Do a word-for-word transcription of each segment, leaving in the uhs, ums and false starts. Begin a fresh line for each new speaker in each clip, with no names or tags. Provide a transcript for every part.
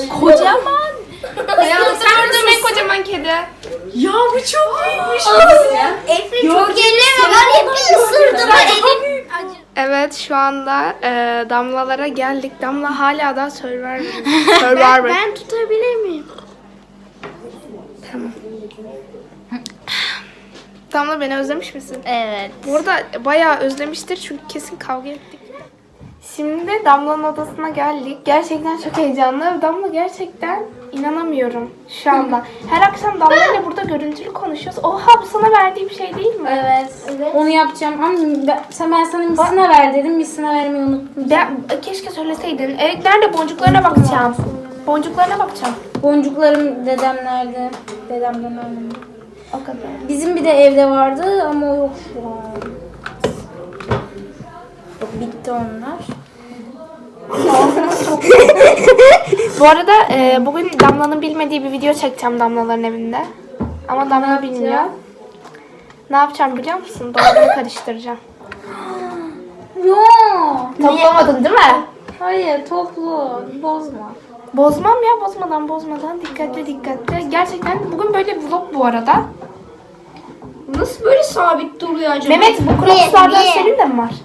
Kocaman.
Hayatımda gördüğüm en kocaman kedi.
Ya bu çok büyükmüş.
Efrin çok elleme var ya bir ısırdı mı elin.
Evet şu anda e, Damlalara geldik. Damla hala da Survivor. Survivor.
Ben tutabilir miyim?
Damla beni özlemiş misin?
Evet.
Bu arada bayağı özlemiştir çünkü kesin kavga ettik. Şimdi de Damla'nın odasına geldik. Gerçekten çok heyecanlı. Damla gerçekten inanamıyorum şu anda. Her akşam Damla ile burada görüntülü konuşuyoruz. Oha bu sana verdiğim şey değil mi?
Evet.
Evet.
Onu yapacağım. Ama ben, sen ben sana misina ver dedim. Misina vermeyi unuttum.
Ben, keşke söyleseydin. E, nerede boncuklarına bakacağım. Boncuklarına bakacağım.
Boncuklarım dedemlerde. Dedemden öğrendim.
O kadar.
Bizim bir de evde vardı ama o yok şu an. Yok, bitti onlar.
Bu arada e, bugün Damla'nın bilmediği bir video çekeceğim Damla'ların evinde. Ama Damla bilmiyor. Ne yapacağım biliyor musun? Dolabını karıştıracağım.
Yok.
Toplamadın değil mi?
Hayır, toplu. Bozma.
Bozmam ya bozmadan bozmadan dikkatli dikkatli. Gerçekten bugün böyle vlog bu arada.
Nasıl böyle sabit duruyor acaba?
Mehmet bu crocslardan senin de mi var?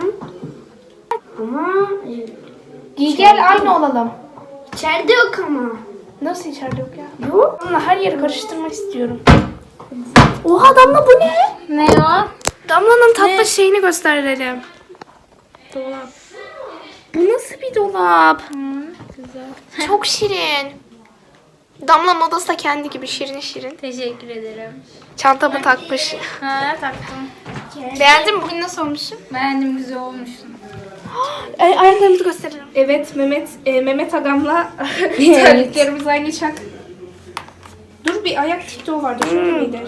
Ama
Giy gel aynı olalım.
içeride yok ama.
Nasıl içeride yok ya? Yok. Damla her yeri karıştırmak istiyorum. Oha Damla bu ne?
Ne o?
Damla'nın tatlı şeyini gösterelim. Dolap. Bu nasıl bir dolap?
Güzel.
Çok şirin. Damla'nın odası da kendi gibi şirin şirin.
Teşekkür ederim.
Çantamı takmış.
Ha, taktım.
Beğendin mi? Bugün nasıl olmuşum?
Beğendim, güzel olmuşsun.
Ay, ayaklarımızı gösterelim. Evet Mehmet e, Mehmet Agam'la terliklerimiz aynı çak. Dur bir ayak TikTok'u vardı. Şöyle miydi?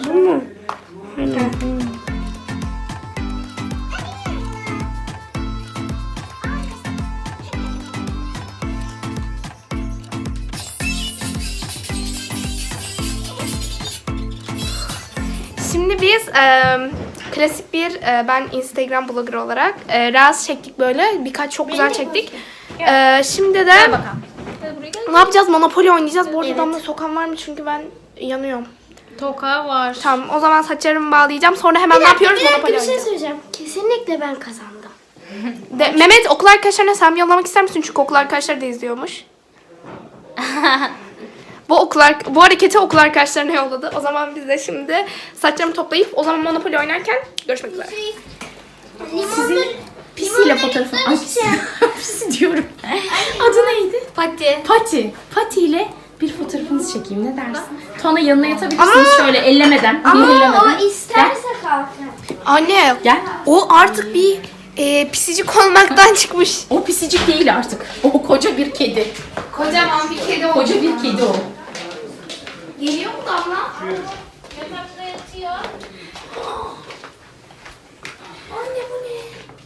Şimdi biz e, klasik bir e, ben Instagram blogger olarak e, reels çektik böyle. Birkaç çok güzel çektik. E, şimdi de
Bakalım. Hadi buraya gel.
ne yapacağız? Monopoly oynayacağız. Bu arada Damla sokan var mı? Çünkü ben yanıyorum.
Toka var.
Tamam o zaman saçlarımı bağlayacağım. Sonra hemen ne yapıyoruz?
Bir dakika
Monopoly
bir şey
oynayacağız.
söyleyeceğim. Kesinlikle ben kazandım.
De, Mehmet okul arkadaşlarına sen yollamak ister misin? Çünkü okul arkadaşları da izliyormuş. Bu okul ar- bu hareketi okul arkadaşlarına yolladı. O zaman biz de şimdi saçlarımı toplayıp o zaman Monopoly oynarken görüşmek üzere.
Limonları...
Pisiyle fotoğrafı. Ay pisi. Pisi diyorum. Adı neydi?
Pati.
Pati. Pati ile bir fotoğrafınızı çekeyim. Ne dersin? Tuana yanına yatabilirsiniz şöyle ellemeden.
Ama
zehirlemeden.
o isterse kalkar.
Anne
Gel.
o artık bir e, pisicik olmaktan çıkmış.
O pisicik değil artık. O koca bir kedi.
Kocaman bir kedi oldu.
Koca bir kedi o.
Geliyor mu Damla?
Yatakta yatıyor.
Anne bu ne?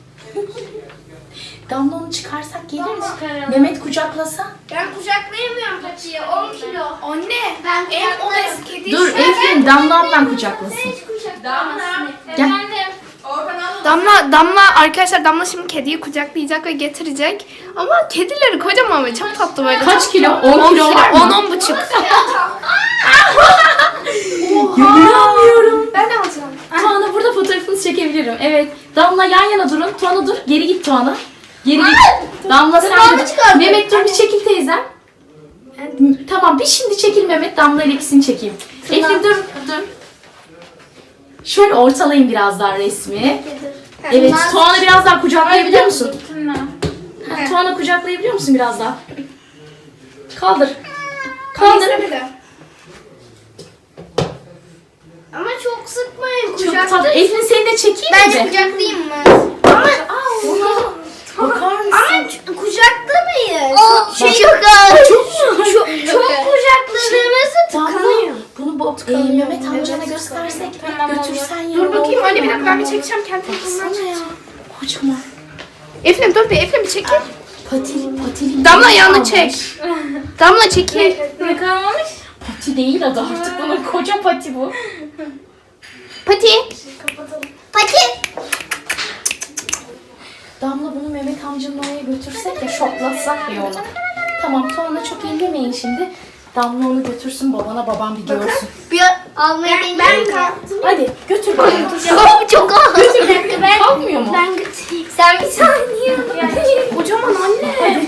Damla onu çıkarsak gelir mi?
Çıkaralım.
Mehmet kucaklasa.
Ben kucaklayamıyorum Pati'yi. on kilo.
Anne
Ben
en
kucaklarım.
obez kedi.
Dur Efrin Damla ablan kucaklasın.
Hiç kucaklayamazsın.
Gel.
Damla, Damla arkadaşlar Damla şimdi kediyi kucaklayacak ve getirecek. Ama kedileri kocaman ve çok tatlı böyle.
Kaç kilo? on kilo var mı?
on on buçuk.
İnanmıyorum.
Ben alacağım.
Tuana burada fotoğrafınızı çekebilirim. Evet. Damla yan yana durun. Tuana dur. Geri git Tuana. Geri git. Damla sen de dur. Mehmet dur bir çekil teyzem. Tamam bir şimdi çekil Mehmet. Damla ile ikisini çekeyim. Efrin dur dur. Şöyle ortalayın biraz daha resmi. Evet. Tuana biraz daha kucaklayabiliyor musun? Ha, Tuana kucaklayabiliyor musun biraz daha? Kaldır. Kaldır.
Ama çok sıkmayın
Çok
kucakta.
tatlı. Efrin seni de çekeyim
Bence
mi?
kucaklayayım mı? Ama
Bakar mısın?
ama ç- kucaklamayın. Çok çok ağır. Çok çok, çok kucakladığınızı tıkanıyor.
Bunu bu e, Mehmet amcana göstersek götürsen ya.
Dur bakayım anne bir dakika ben bir çekeceğim kendi telefonumdan çekeceğim.
Kocaman.
Efendim dur bir Efendim bir çekil.
Patili, patili.
Damla yanına çek. Damla çekil.
Ne kalmamış?
Pati değil adı artık bunun koca pati bu.
Pati.
Pati.
Damla bunu Mehmet amcanın oraya götürsek ya şoklatsak ya onu. Tamam Tuana çok ellemeyin şimdi. Damla onu götürsün babana, babam bir görsün.
Bir almaya deneyim. Ben kalktım.
Hadi götür babana.
Çok çok ağır.
Götür. Ben... Kalkmıyor mu?
Ben götüreyim. Sen bir saniye.
Kocaman anne.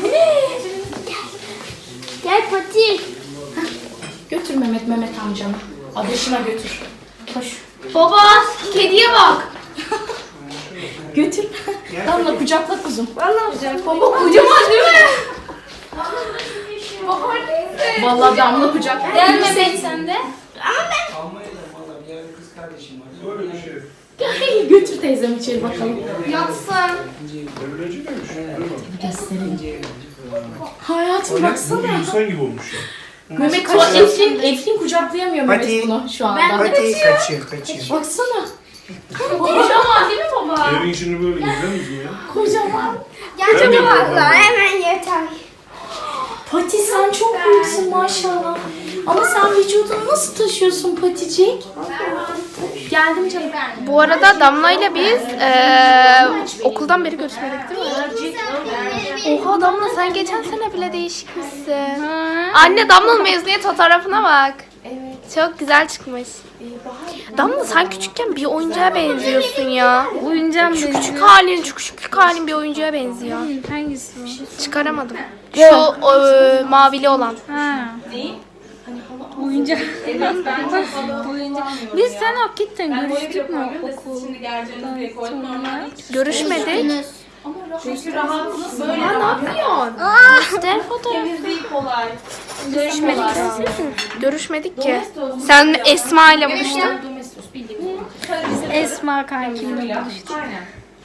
Gel Pati.
Götür Mehmet, Mehmet amcana. Adaşına götür. Koş.
Baba kediye bak.
Götür. Damla kucakla kuzum.
Vallahi güzel. Baba kocaman değil mi? Bahar neyse.
Vallahi Damla kucak.
Gel Mehmet sen de.
Almanya'da valla bir yerde kız kardeşim var. Böyle bir şey.
Gel götür teyzem içeri bakalım.
Yatsın.
Devleci demiş.
Gösterelim. Hayatım baksana.
İnsan gibi olmuş ya.
Mehmet Tuana, Eflin, Eflin kucaklayamıyor Mehmet
Hadi.
bunu şu anda.
Hadi kaçıyor kaçıyor.
Baksana.
Kocaman değil mi baba?
Evin içini böyle gezer misin ya?
Kocaman.
Gerçekten valla hemen yeter.
Pati sen çok büyüksün maşallah. Ama sen vücudunu nasıl taşıyorsun Paticik? Geldim canım.
Bu arada Damla ile biz eee, okuldan beri görüşmedik değil mi? Oha Damla sen geçen sene bile değişikmişsin. Anne Damla'nın mezuniyet fotoğrafına bak. Evet. Çok güzel çıkmış. Damla sen küçükken bir oyuncağa benziyorsun ya.
Oyuncağım
Şu
benim.
küçük halin, şu küçüklük halin bir oyuncağa benziyor.
Hangisi o?
Çıkaramadım. Şu eee, mavili olan.
Ha. Oyuncak. Oyuncak. Biz sen hakikaten görüştük mü okuldan sonra?
Görüşmedik.
Çünkü rahatlık böyle
Ne yapıyorsun?
İşte fotoğraf.
kolay.
Görüşmedik. Görüşmedik ki. Sen Esma ile buluştun.
Domestos bildiğimiz.
Esma kankimle buluştuk.
Aynen.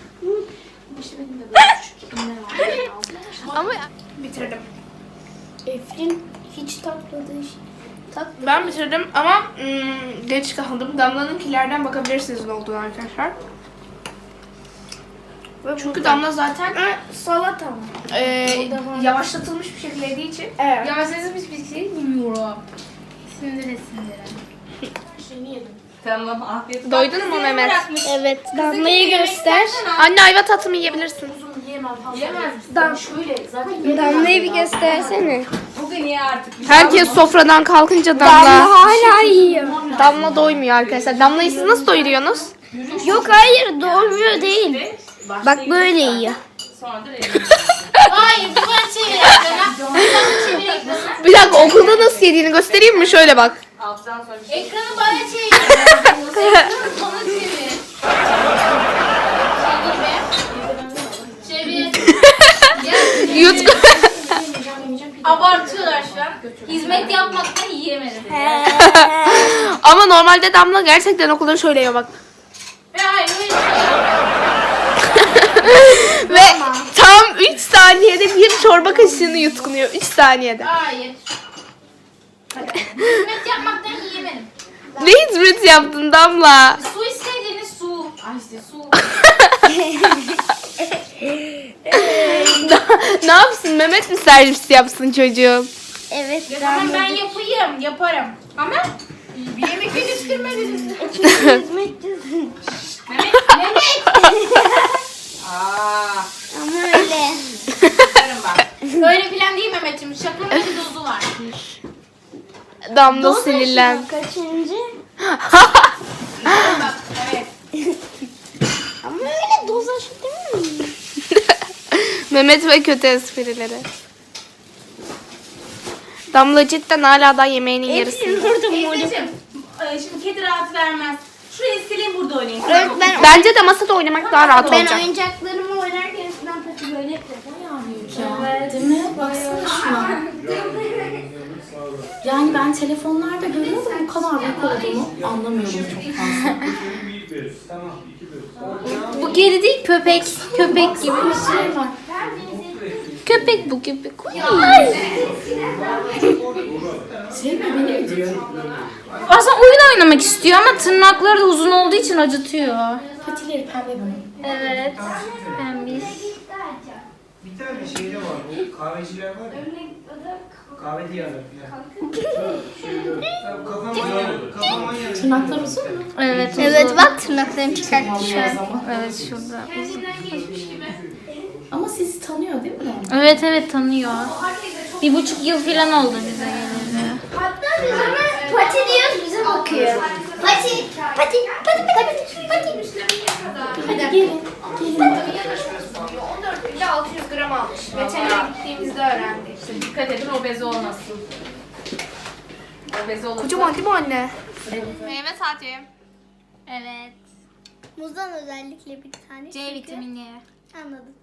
Ama bitirdim.
Efrin hiç takmadığı şey. Tak.
Ben bitirdim ama ım, geç kaldım. Damla'nınkilerden bakabilirsiniz ne olduğunu arkadaşlar. Çünkü Damla zaten
Ha, salata mı?
e, yavaşlatılmış bir şekilde yediği için.
Evet.
Ya siz bir şey bilmiyorum. Sindire sindire.
Tamam afiyet.
Doydun mu Mehmet?
Evet. Damlayı göster.
Anne ayva tatlımı yiyebilirsin.
Yemez misin? Ben şöyle zaten
Damlayı bir göstersene.
bugün ye artık.
Herkes sofradan kalkınca
Damla
Damla.
hala yiyor.
Damla doymuyor arkadaşlar. Damla'yı siz nasıl doyuruyorsunuz?
Yok hayır doymuyor değil. Bak böyle yiyor.
Sonra da
Hayır bu ben çevireyim.
Bir dakika okulda nasıl yediğini göstereyim mi? Şöyle bak.
alttan sonra bir şey.
Ekranı bana çevir. Ekranı bana çevir. Çevir. Çevir.
Yut.
Abartıyorlar şu an. Hizmet yapmaktan yiyemedim.
Ama normalde Damla gerçekten okulda şöyle yiyor bak.
Ve hayır öyle
Ve tam üç saniyede bir çorba kaşığını yutkunuyor. üç saniyede.
Hayır. Hizmet yapmaktan yiyemedim.
Ne hizmet yaptın Damla?
Su istediğiniz su. Ay işte su.
Ne yapsın? Mehmet mi servis yapsın çocuğum?
Evet.
Tamam ben yapayım. Yaparım. Ama bir yemek yetiştirmediniz.
Aa,
Ama öyle.
Öyle plan değil Mehmet'ciğim. Şakanın bir dozu var.
Damla sinirlen.
Kaçıncı?
Bak evet.
Ama öyle doz aşı değil mi?
Mehmet ve kötü esprileri. Damla cidden hala da yemeğinin yarısında.
Burada mı?
teyzeciğim, e, şimdi kedi rahat vermez. Şurayı sileyim burada oynayayım.
Evet, ben,
Bence de masada oynamak daha rahat
ben
olacak.
oyuncaklarımı oynarken eskiden pati böyle yapıyordum.
Ya, değil mi? Baksana şuna. Yani ben telefonlarda görüyorum da bu kadar büyük olduğunu anlamıyorum çok fazla.
Bir bez. Tamam. iki bez.
Bu kedi değil köpek. Köpek gibi bir şey var.
Köpek bu gibi.
Sevme beni mi diyor?
Aslında oyun oynamak istiyor ama tırnakları da uzun olduğu için acıtıyor.
Patileri pembe bunun.
Evet. Pembiş.
Bir tane şeyde var. O kahveciler var ya. Kahve diyarı falan. Kafama kafama yanıyor.
Tırnaklar uzun mu?
Evet.
Evet bak tırnaklarını çıkarttı şu
Vallahi
an.
zaman.
Evet şurada.
Ama sizi tanıyor değil mi?
Evet evet tanıyor. Bir buçuk yıl falan oldu bize geleli.
Hatta biz ona pati diyoruz, bize bakıyor. Pati, pati, pati, pati, pati.
Hadi gelin. on dört günde altı yüz gram almış. Veterinere gittiğimizde öğrendik.
Dikkat edin obezi olmasın. Obezi olursa.
Kocaman değil mi anne? Meyve saati.
Evet. Muzdan özellikle bir tane.
C
çünkü-
vitamini.
Anladım.